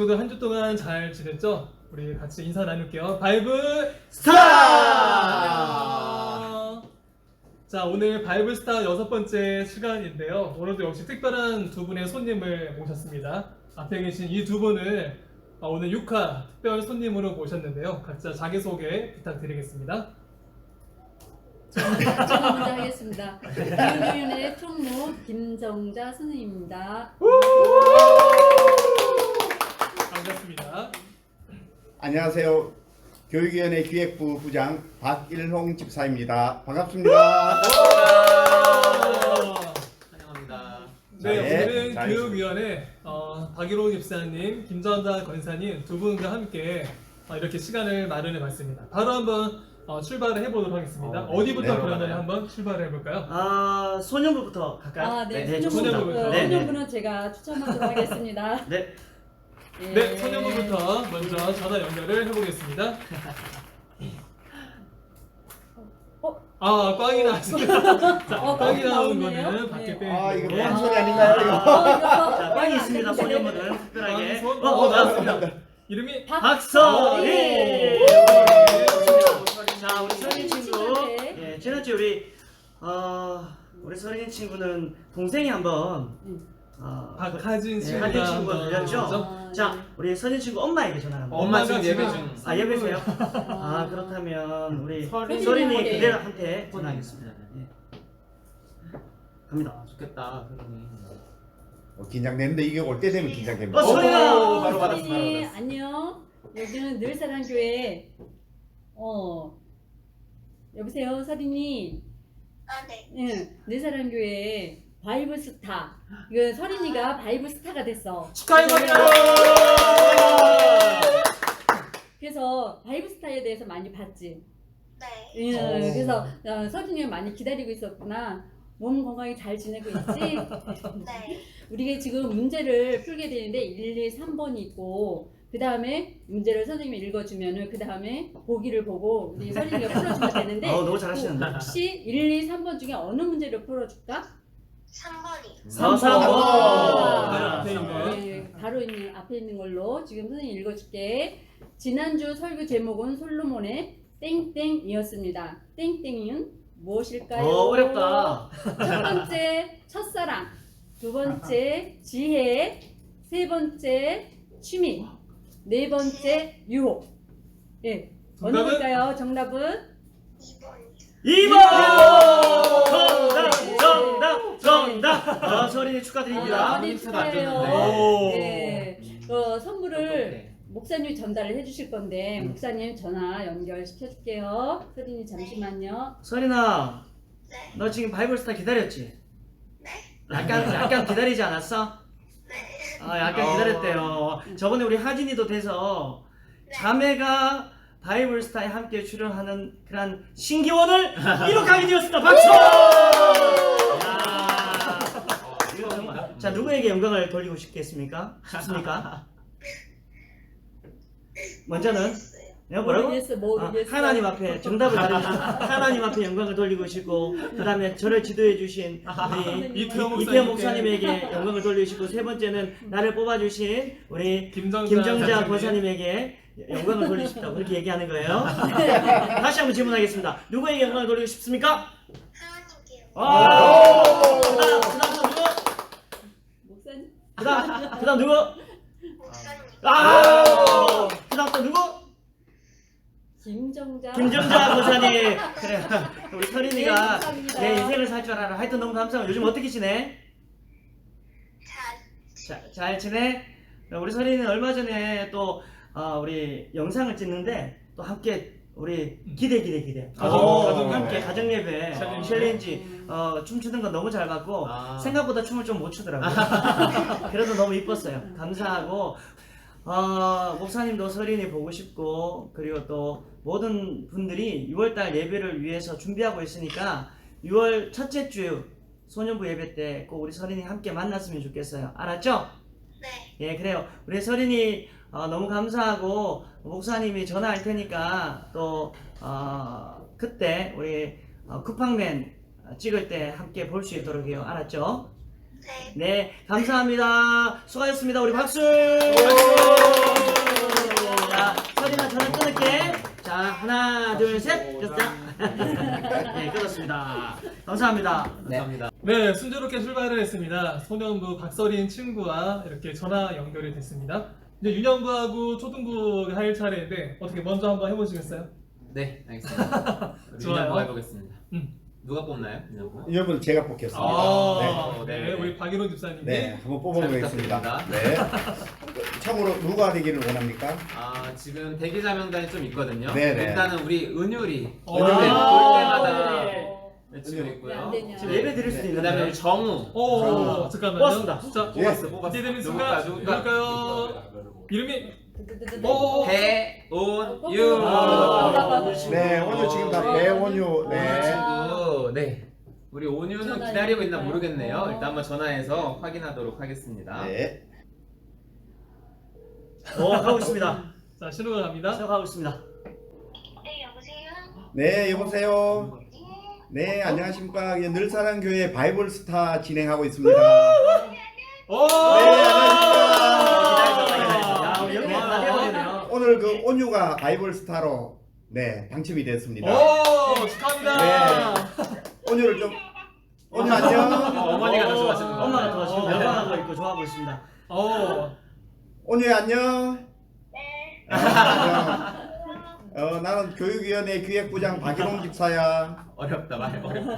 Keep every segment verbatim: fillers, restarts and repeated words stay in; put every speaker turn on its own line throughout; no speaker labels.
친구들 한 주 동안 잘 지냈죠? 우리 같이 인사 나눌게요. 바이블
스타!
자, 오늘 바이블 스타 여섯 번째 시간인데요. 오늘도 역시 특별한 두 분의 손님을 모셨습니다. 앞에 계신 이 두 분을 오늘 육 화 특별 손님으로 모셨는데요. 각자 자기소개 부탁드리겠습니다.
저는 먼저 하겠습니다. 교육위원회 총무 김정자 선생님입니다.
반갑습니다.
안녕하세요. 교육위원회 기획부 부장 박일홍 집사입니다. 반갑습니다.
환영합니다.
네,
네,
오늘은
잘
교육위원회 어, 박일호 집사님, 김전자 권사님 두 분과 함께 어, 이렇게 시간을 마련해봤습니다. 바로 한번 어, 출발을 해보도록 하겠습니다.
어, 네.
어디부터
네,
그러면
네.
한번 출발을 해볼까요?
아, 소년부부터 갈까요?
아, 네,
네,
소년부,
소년부부터.
어,
네, 네.
소년부는 제가 추천하도록 하겠습니다.
네.
예.
네, 소년부부터 먼저 전화 연결을 해보겠습니다.
어?
아, 꽝이 나왔습니다. 자,
어,
꽝이
꽝이
나온
나오네요.
거는 밖에
네.
빼고.
아, 이거
네.
빵 소리 아닌가요? 이거?
어, 이거.
자, 빵이 있습니다.
네.
소년부는 특별하게.
꽝손.
어,
어,
어,
나왔습니다.
나왔습니다.
이름이
박서리!
네.
자, 우리 서린 친구.
친구한테.
예, 지난주에 우리, 어, 우리 서린 친구는 동생이 한번,
음.
어,
박하진
네,
친구가
하진 친구가
한번
들렸죠?
먼저.
아,
자,
네.
우리 서린 친구 엄마에게 전화를 한번.
엄마가
지금
지금
예배 중. 아, 예배세요?
아,
아, 그렇다면 우리
서린이
서린이
한테.
그대한테 전화하겠습니다. 예. 갑니다.
좋겠다.
어, 긴장되는데 이게 올 때 되면 긴장됩니다.
어, 소리가!
오, 바로 받았어, 바로
서린이
받았어.
안녕. 여기는 늘사랑교회. 어. 여보세요, 서린이.
아, 네.
응, 늘사랑교회 바이블 스타. 이거 서린이가 바이블 스타가 됐어.
축하해드립니다.
그래서 바이블 스타에 대해서 많이 봤지.
네.
예,
오.
그래서 어, 서준이가 많이 기다리고 있었구나. 몸 건강히 잘 지내고 있지?
네.
우리가 지금 문제를 풀게 되는데 일, 이, 삼 번이 있고 그 다음에 문제를 선생님이 읽어주면은 그 다음에 보기를 보고 우리 서준이가 풀어주면 되는데
어, 너무 잘하시는데.
혹시 일, 이, 삼 번 중에 어느 문제를 풀어줄까?
삼 번이.
어, 삼 번.
아,
앞에 있는.
네, 바로 있는 앞에 있는 걸로 지금 선생님 읽어줄게. 지난주 설교 제목은 솔로몬의 땡땡이었습니다. 땡땡이는 무엇일까요?
어, 어렵다.
첫 번째 첫사랑, 두 번째 지혜, 세 번째 취미, 네 번째 유혹. 예, 어느
정답은?
걸까요? 정답은?
이 번.
이 번! 정답! 정답! 정답! 아, 서린이 축하드립니다.
아, 네,
힌트도 안
축하해요.
줬는데.
네, 어, 선물을
어떡해.
목사님이 전달을 해주실 건데 목사님 전화 연결시켜줄게요. 서린이 잠시만요.
서린아,
네.
너 지금 바이블스타 기다렸지?
네.
약간, 약간 기다리지 않았어?
네.
아, 약간
어.
기다렸대요. 저번에 우리 하진이도 돼서 자매가 바이블스타에 함께 출연하는 그런 신기원을 이룩하게 되었습니다. 박수! 야. 이거 정말. 자, 누구에게 영광을 돌리고 싶겠습니까? 싶습니까? 먼저는 네, 뭐라고?
모르겠어,
아,
모르겠어.
하나님 앞에 정답을 가르쳐 하나님 앞에 영광을 돌리고 싶고 그 다음에 저를 지도해 주신 우리
이태호
이태호
목사님께.
목사님에게 영광을 돌리시고 세 번째는 나를 뽑아주신 우리
김정자,
김정자
장사님.
권사님에게 영광을 돌리십니다. 그렇게 얘기하는 거예요. 다시 한번 질문하겠습니다. 누구에게 영광을 돌리고 싶습니까?
하나님께요.
와! 그다음 그다음 또 누구?
목사님.
그다음 그다음 누구?
목사님.
아! 그다음 또 누구?
김정자.
김정자 권사님. 그래. 우리 서린이가
네, 감사합니다.
내 인생을 살 줄 알아. 하여튼 너무 감사하고 요즘 어떻게 지내?
잘.
자, 잘 지내? 우리 서린이는 얼마 전에 또 어, 우리 영상을 찍는데 또 함께 우리 기대 기대 기대
가정,
어,
가정
함께
예배.
가정 예배
챌린지.
챌린지 어, 춤추는 거 너무 잘 봤고
아.
생각보다 춤을 좀 못 추더라고요. 그래도 너무 이뻤어요. 감사하고 어, 목사님도 서린이 보고 싶고 그리고 또 모든 분들이 유월달 예배를 위해서 준비하고 있으니까 유월 첫째 주 소년부 예배 때 꼭 우리 서린이 함께 만났으면 좋겠어요. 알았죠?
네.
예, 그래요. 우리 서린이 어, 너무 감사하고 목사님이 전화할 테니까 또 어, 그때 우리 어, 쿠팡맨 찍을 때 함께 볼 수 있도록 해요. 알았죠?
네.
네, 감사합니다. 수고하셨습니다. 우리 박수! 자, 서린아 전화 끊을게. 자, 하나, 둘, 셋. 됐다. 네, 끊었습니다. 감사합니다.
감사합니다.
네, 순조롭게 출발을 했습니다. 소년부 박서린 친구와 이렇게 전화 연결이 됐습니다. 이제 유년부하고 초등부 할 차례인데 어떻게 먼저 한번 해보시겠어요?
네, 알겠습니다. 우리
좋아요.
유년부 해보겠습니다.
음.
누가 뽑나요? 유년부?
여러분 제가 뽑겠습니다.
아,
네.
네, 우리 박일호 집사님이
네, 한번 뽑아보겠습니다.
잘
네. 참고로 누가 되기를 원합니까?
아, 지금 대기자 명단이 좀 있거든요.
네네.
일단은 우리 은율이
어.
은율이 볼 때마다
네.
외치고
왜 안
있고요.
되냐.
지금 예배 드릴 수도
그
있는데.
다음에 우리 정우.
오,
어.
잠깐만요.
뽑았습니다.
자,
예.
뽑았어, 뽑았어.
이제 되는
누굴까,
순간
누굴까?
누굴까요? 이름이
드드드드드.
오,
배온유.
아.
네, 오늘 지금 다 배원유.
네.
네.
친구. 네. 우리 온유는
전화
기다리고 있나
연결까요?
모르겠네요.
어.
일단 한번 전화해서 확인하도록 하겠습니다.
네.
어, 가고 있습니다.
자, 신호가 갑니다.
시작하고 있습니다.
네, 여보세요?
네, 여보세요.
네.
네, 안녕하십니까. 예, 늘사랑교회 바이블 스타 진행하고 있습니다.
오!
네,
야, 우리 여기 다 해버리네요.
오늘 그 온유가 바이블 스타로 네, 당첨이 됐습니다.
오, 축하합니다.
온유를 좀 온유 안녕.
어, 어머니가 더 좋아하시는 거.
엄마가 더 지금 열광하고 있고 좋아하고 있습니다.
오,
온유 안녕.
네.
안녕. 어, 나는 교육위원회 기획부장 박일홍 집사야.
어렵다 말 어렵다.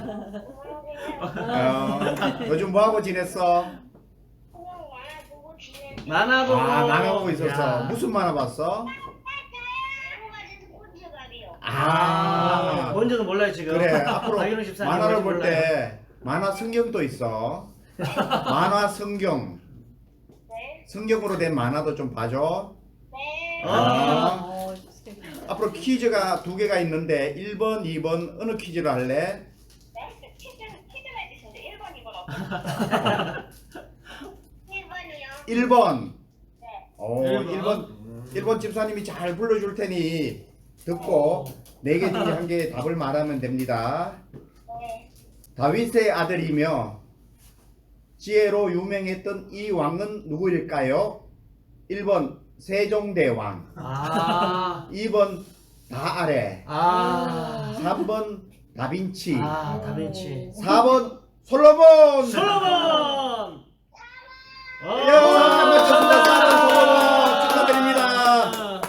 안녕하세요.
어, 요즘 뭐 하고 지냈어?
그냥 만화 보고 지내는
만화 보고.
아, 만화 보고 있었어.
야.
무슨 만화 봤어?
한국아지도 꼰지갑이요.
아,
아,
뭔지도 몰라요 지금.
그래. 앞으로
박일훈 집사님
만화를
뭔지
볼 때 만화 성경도 있어. 만화 성경.
네.
성경으로 된 만화도 좀 봐줘.
네.
아.
어, 스케줄.
앞으로 퀴즈가 두 개가 있는데 일 번, 이 번 어느 퀴즈를 할래?
네? 퀴즈, 퀴즈가 있으신데 일 번, 이 번 없어요. 일 번이요.
일 번.
네.
오,
일 번.
일 번. 일 번 집사님이 잘 불러줄 테니 듣고 네 개 중에 한 개 답을 말하면 됩니다.
네.
다윗의 아들이며 지혜로 유명했던 이 왕은 누구일까요? 일 번 세종대왕,
아,
이 번 다아래,
아,
삼 번 다빈치,
아, 다빈치.
사 번 솔로몬.
솔로몬.
이야, 맞췄습니다. 사 번 솔로몬 축하드립니다.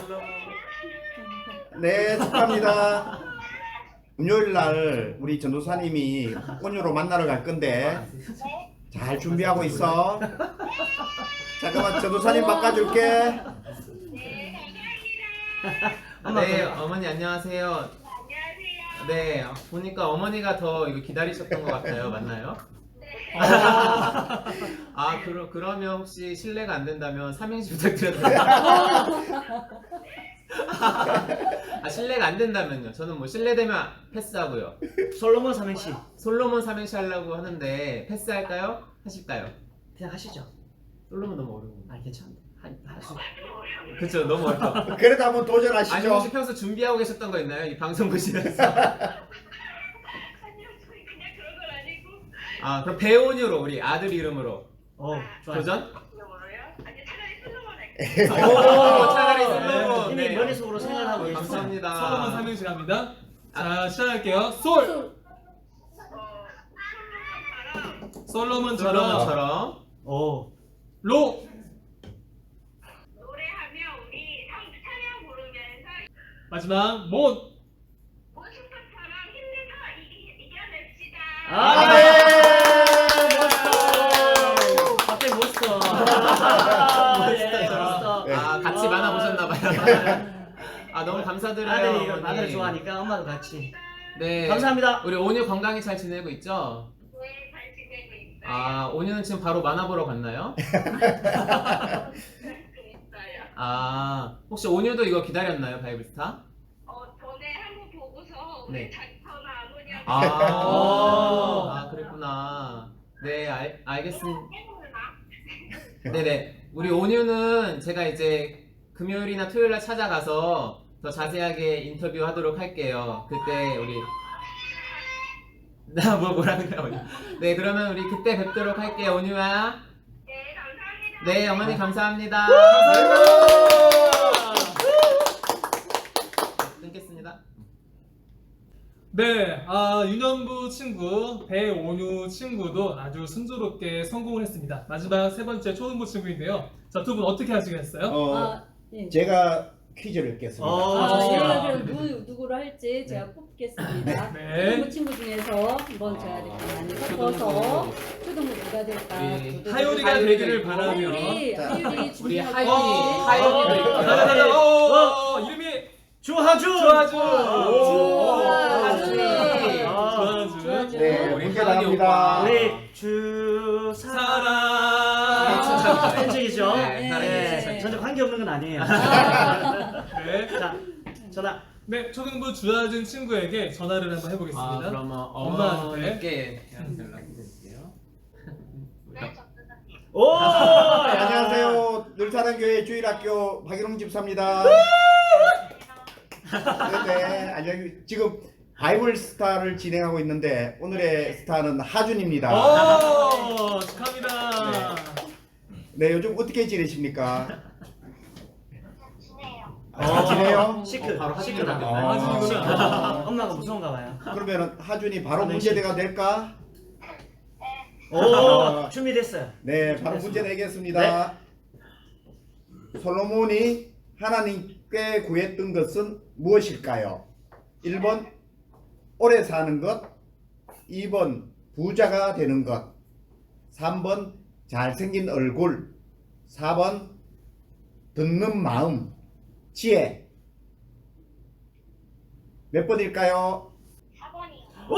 네, 축하합니다. 금요일 날 우리 전도사님이 온유로 만나러 갈 건데 잘 준비하고 있어. 잠깐만 전도사님 바꿔줄게.
네, 감사합니다.
엄마
네,
더.
어머니 안녕하세요.
안녕하세요.
네, 보니까 어머니가 더 이거 기다리셨던 것 같아요. 맞나요? 아, 그러, 그러면 혹시 실례가 안 된다면 삼행시 부탁드려도 돼요? 아, 실례가 안 된다면요. 저는 뭐 실례되면 패스하고요.
솔로몬 삼행시.
솔로몬 삼행시 하려고 하는데 패스할까요? 하실까요?
그냥 하시죠.
솔로몬 너무 어려운 거.
아, 괜찮은데. 할수
그쵸, 너무 어렵다.
그래도 한번
아니
도전하시죠.
혹시 평소 준비하고 계셨던 거 있나요? 이 방송 보시면서?
아니요, 저희 그냥 그런 건 아니고.
아, 그럼 배온유로 우리 아들 이름으로
어, 좋아요.
도전?
뭐로요? 아니, 차라리 슬로건 할게요.
오, 차라리 솔로몬.
이미
네.
머릿속으로 생각하고
어,
계시죠.
감사합니다.
솔로몬 삼행시 갑니다. 자, 시작할게요. 솔!
솔.
어, 슬로건처럼
솔로몬처럼
솔로몬처럼
오.
로!
노래하며 우리 상 찬양 부르면서
마지막 못!
모습처럼 힘내서 이기, 이겨냅시다.
아,
네.
멋있어. 갑자기 멋있어. 아, 예, 멋있어.
네.
아, 같이 만화 보셨나봐요. 아, 너무 감사드려요.
아들이
어머니.
아들을 좋아하니까 엄마도 같이.
네.
감사합니다.
우리 온유 건강히 잘 지내고 있죠?
네, 잘 지내고 있어요.
아, 온유는 지금 바로 만화 보러 갔나요?
있어요.
아, 혹시 온유도 이거 기다렸나요, 바이블스타?
어, 전에 한번 보고서
네.
왜 자기 전화 안 오냐고.
아,
오.
아 그랬구나. 네, 알, 알겠습니다.
해보나?
네네. 우리 온유는 제가 이제 금요일이나 토요일날 찾아가서 더 자세하게 인터뷰하도록 할게요. 그때 우리 나 뭐 뭐라는 거야 오늘. 네 그러면 우리 그때 뵙도록 할게요 온유야.
네, 감사합니다.
네 어머니 감사합니다. 끊겠습니다.
네, 아, 윤현부 친구, 배온유 친구도 아주 순조롭게 성공을 했습니다. 마지막 세 번째 초등부 친구인데요. 자, 두 분 어떻게 하시겠어요?
어,
아, 예.
제가 퀴즈를 냈습니다.
어,
아,
좋습니다.
제가 그럼 누, 누구로 할지 제가 뽑겠습니다.
네.
초등부 친구 중에서 한번 제가 이렇게 많이 섞어서 초등부 누가 될까?
우리
누구
하율이가
될까?
되기를
있고.
바라며.
하율이,
자,
하율이
우리
준비하고
하율이,
있지.
하율이도 있고.
자, 자, 자, 자, 어, 어, 이름이
주하준!
주하준!
주하준!
주하준!
주하준.
네,
우리
문제
하은이
나옵니다.
오빠.
우리 주
사랑!
사랑.
현직이죠?
네,
네. 전혀 관계 없는 건 아니에요.
네.
자, 전화.
네, 초등부 주하준 친구에게 전화를 한번 해보겠습니다.
아 그러면
엄마한테.
어머니께 연락해 드릴게요.
네, 전도사님.
오!
안녕하세요. 늘사랑교회 주일학교 박일홍 집사입니다. 네네. 안녕. 지금 바이블 스타를 진행하고 있는데 오늘의 스타는 하준입니다.
오, 축하합니다.
네, 요즘 어떻게 지내십니까?
지내요.
아, 지내요?
시크.
어, 바로
시크다.
하준이라고.
아,
하준이구나.
엄마가 무서운가 봐요.
그러면 하준이 바로 문제대가 될까?
오! 준비됐어요.
네, 바로 문제 내겠습니다. 솔로몬이 하나님께 구했던 것은 무엇일까요? 일 번 오래 사는 것, 이 번 부자가 되는 것, 삼 번 잘생긴 얼굴, 사 번 듣는 마음, 지혜. 몇 번일까요?
사 번이요.
오!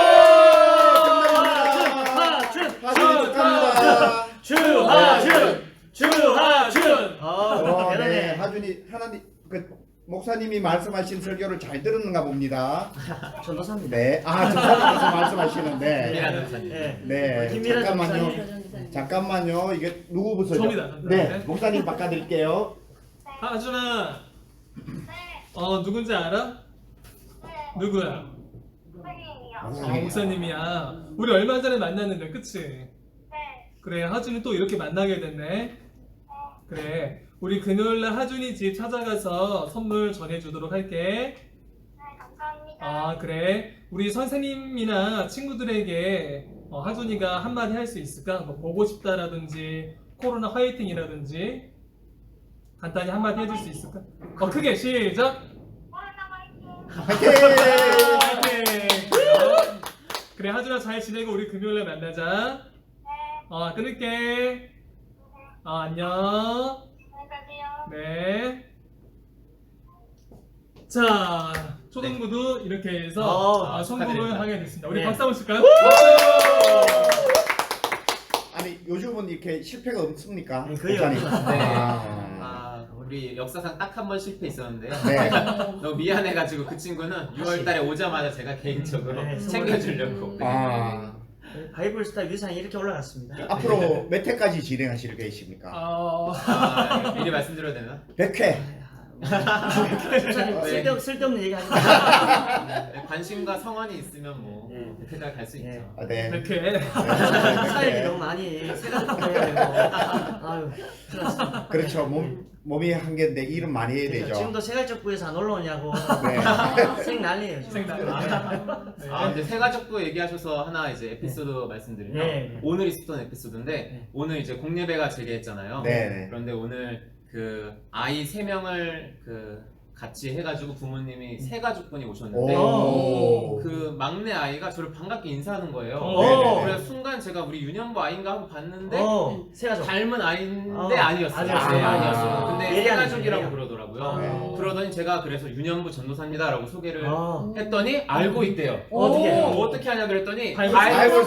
하준!
하준이 축하합니다.
주하준! 주하준! 어,
어, 네,
대단해.
하준이 하나님 그 목사님이 말씀하신 설교를 잘 들었는가 봅니다.
전도사입니다.
네, 아 전사님께서 말씀하시는데,
김미란 전사님.
네.
네,
김미란
잠깐만요,
전사님.
잠깐만요. 이게 누구부터죠?
저입니다.
네,
네.
목사님 바꿔드릴게요.
하준아,
네,
어, 누군지 알아?
네,
누구야?
선생님이요.
어, 목사님이야. 우리 얼마 전에 만났는데, 그치?
네,
그래, 하준이 또 이렇게 만나게 됐네. 그래, 우리 금요일날 하준이 집 찾아가서 선물 전해주도록 할게.
네, 감사합니다.
아, 그래. 우리 선생님이나 친구들에게 어, 하준이가 한마디 할 수 있을까? 뭐 보고 싶다라든지 코로나 화이팅이라든지 간단히 한마디 해줄 수 있을까? 어, 크게 시작!
코로나 화이팅.
화이팅!
화이팅! 그래, 하준아 잘 지내고 우리 금요일날 만나자.
네,
어, 끊을게. 어, 안녕.
안녕히 가세요.
네. 자, 초등부도 이렇게 해서
어,
아, 성공을
축하드립니다.
하게 됐습니다. 우리
네.
박수 한번 칠까요?
아니 요즘은 이렇게 실패가 없습니까?
네, 거의
목사님?
없어요.
네.
아,
아 우리 역사상 딱 한 번 실패 있었는데요.
네.
너무 미안해가지고 그 친구는 유월달에 오자마자 제가 개인적으로
네,
챙겨주려고. 네.
아,
바이블 스타 위상이 이렇게 올라갔습니다.
앞으로 몇 회까지 진행하실 계십니까?
어,
아, 미리 말씀드려도 되나?
백 회.
집사님
네.
쓸데, 쓸데없는 얘기 하지 마세요.
네, 관심과 성원이 있으면 뭐
네.
그때까지 갈 수 있죠.
네.
아, 네.
이렇게.
사역이 너무 많이 세가지고 해야 되고. 아유, 큰일 났습니다.
그렇죠. 몸 몸이 한 개인데 일은 많이 해야 되죠.
지금도 세갈적부에서 안 올라오냐고.
네.
생 난리예요. 지금.
생각. 네.
아 근데 세가족부 얘기하셔서 하나 이제 에피소드 말씀드리면
네, 네.
오늘 있었던 에피소드인데
네.
오늘 이제 공예배가 재개했잖아요.
네, 네.
그런데 오늘 그 아이 세 명을 그 같이 해가지고 부모님이 세 가족분이 오셨는데
오.
그 막내 아이가 저를 반갑게 인사하는 거예요.
오.
네네네.
그래서 순간 제가 우리 윤현부 아이인가 하고 봤는데
어, 세가족.
닮은 아이인데
어,
아니었어요.
아니었어요.
네,
아.
아니었어요. 근데
예리한
세가족이라고
예리한.
그러더라고요.
네.
그러더니 제가 그래서 윤현부 전도사입니다라고 소개를
어.
했더니 알고 있대요.
오.
어떻게 해요?
뭐 어떻게 하냐 그랬더니
바이블
바이블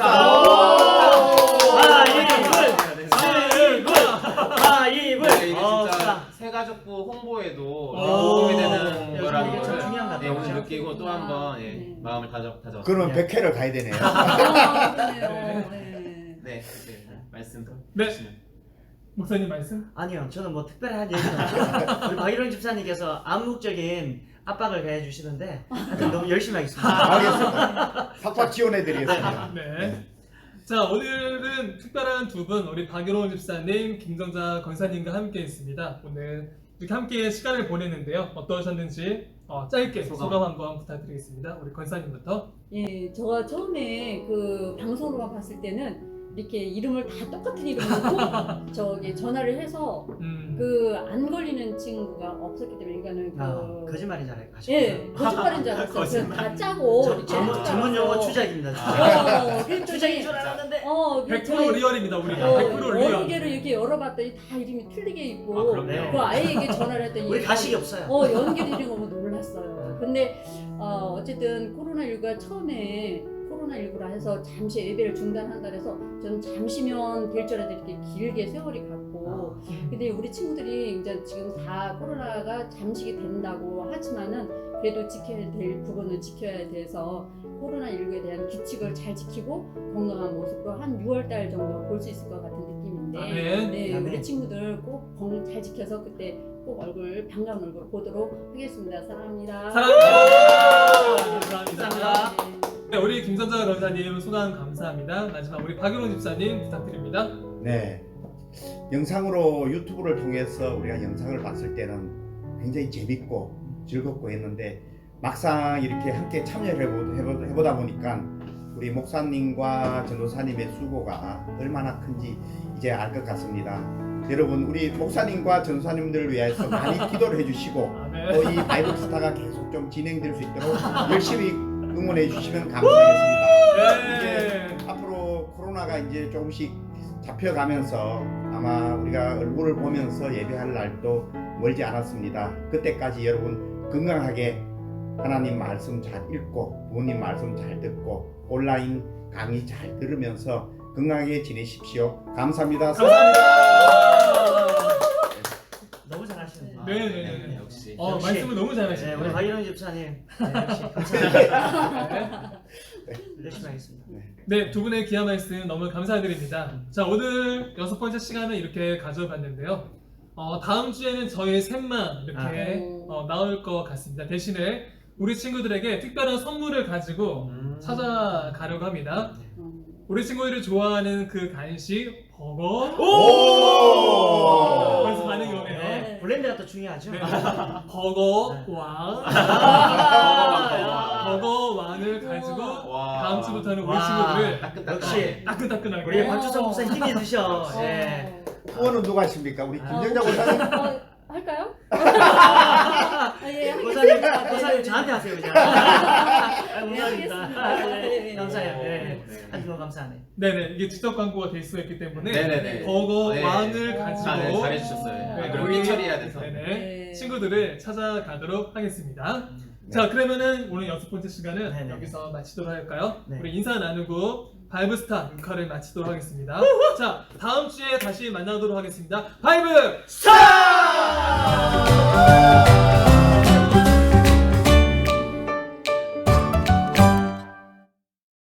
스타.
바이블! 바이블!
네, 이게
어,
진짜
스타.
세가족부 홍보에도
오.
도움이 되는
네,
거라는
이게 참
걸
중요한 것
네,
같아요.
오늘 느끼고 또 한번 예,
네.
마음을 다져 다져.
그러면 백 회를 가야 되네요.
아, 그러네요. 네.
네, 네, 말씀
네.
주시면.
목사님 말씀?
아니요, 저는 뭐 특별한 얘기는 없어요. 우리 박일원 집사님께서 암묵적인 압박을 가해 주시는데 하여튼 너무 열심히 하겠습니다.
알겠습니다. 팍팍 지원해드리겠습니다.
네. 자, 오늘은 특별한 두 분, 우리 박유론 집사님, 김정자 권사님과 함께 있습니다. 오늘 이렇게 함께 시간을 보냈는데요. 어떠셨는지 어, 짧게 소감. 소감 한번 부탁드리겠습니다. 우리 권사님부터.
예, 제가 처음에 그 방송으로만 봤을 때는 이렇게 이름을 다 똑같은 이름으로 저기 전화를 해서
음.
그 안 걸리는 친구가 없었기 때문에 이거는 그
아, 거짓말인 줄 알고
예, 거짓말인 줄 알았어요. 그냥 다 짜고
저-
이렇게
전문,
한
전문 용어
줄
추작입니다.
알았어. 어, 그랬더니
추작인 줄 알았는데.
어,
백
그랬더니
퍼센트 리얼입니다, 우리가.
어,
백 퍼센트 리얼.
여러 개를 이렇게 열어봤더니 다 이름이 틀리게 있고
아, 그럼요.
그 아이에게 전화를 했더니
우리 가식이 없어요.
어 연결되는 거 보고 놀랐어요. 근데 어, 어쨌든 코로나십구가 처음에 코로나십구라 해서 잠시 예배를 중단한다 해서 저는 잠시면 될 줄 알았는데 이렇게 길게 세월이 갔고
음.
근데 우리 친구들이 이제 지금 다 코로나가 잠식이 된다고 하지만은 그래도 지켜야 될 부분은 지켜야 돼서 코로나십구에 대한 규칙을 잘 지키고 건강한 모습으로 한 유월 달 정도 볼 수 있을 것 같은 느낌인데
아멘.
네,
아멘.
우리 친구들 꼭 건강 잘 지켜서 그때 꼭 얼굴 반가운 얼굴 보도록 하겠습니다. 사랑합니다.
사랑합니다. 감사합니다.
감사합니다.
네.
네, 우리 김정자 권사님 소감 감사합니다. 마지막 우리 박유론 집사님 부탁드립니다.
네. 영상으로 유튜브를 통해서 우리가 영상을 봤을 때는 굉장히 재밌고 즐겁고 했는데 막상 이렇게 함께 참여를 해보, 해보, 해보다 보니까 우리 목사님과 전도사님의 수고가 얼마나 큰지 이제 알 것 같습니다. 여러분 우리 목사님과 전도사님들을 위해서 많이 기도를 해주시고
아멘.
또 이 바이블 스타가 계속 좀 진행될 수 있도록 열심히 응원해 주시면 감사하겠습니다.
네.
이제 앞으로 코로나가 이제 조금씩 잡혀가면서 아마 우리가 얼굴을 보면서 예배할 날도 멀지 않았습니다. 그때까지 여러분 건강하게 하나님 말씀 잘 읽고 부모님 말씀 잘 듣고 온라인 강의 잘 들으면서 건강하게 지내십시오. 감사합니다.
너무 잘하시네요.
네, 네, 네.
역시.
어,
역시.
말씀을 너무
네,
잘하시네요.
우리 박일영 집사님 네, 역시 감사합니다. 열심히 하겠습니다.
네, 두 분의 귀한 말씀 너무 감사드립니다. 자, 오늘 여섯 번째 시간을 이렇게 가져봤는데요. 어, 다음 주에는 저희 셋만 이렇게
아.
어, 나올 것 같습니다. 대신에 우리 친구들에게 특별한 선물을 가지고
음.
찾아가려고 합니다.
음.
우리 친구들이 좋아하는 그 간식 버거.
오!
벌써 반응이 오네요.
네, 브랜드가 또 중요하죠.
네. 버거
네.
왕.
아,
버거 왕을 가지고
와.
다음 주부터는 우리
와.
친구들을
따끈따끈.
역시
따끈따끈하게.
우리 박주성 목사 힘이 드셔.
어.
네.
후원은 누가 하십니까? 우리
어,
김정자 권사님?
어, 할까요? 아, 예,
고사님,
하겠습니다.
고사님
네,
저한테 하세요 그냥. 아,
네,
감사합니다.
하겠습니다.
아, 네,
네, 네.
감사해요. 네.
네.
아주 너무 감사하네.
네네, 이게 직접 광고가 될 수가 있기 때문에
네네네.
버거
네.
왕을
어.
가지고
아, 네, 잘해주셨어요.
네,
아,
네,
그럼
우리
일 처리해야 돼서.
네네,
네.
친구들을 찾아가도록 하겠습니다.
네.
자, 그러면은 오늘 여섯 번째 시간은
네네.
여기서 마치도록 할까요?
네.
우리 인사 나누고 바이블스타 육화를 마치도록 하겠습니다. 자, 다음 주에 다시 만나도록 하겠습니다. 바이블 스타!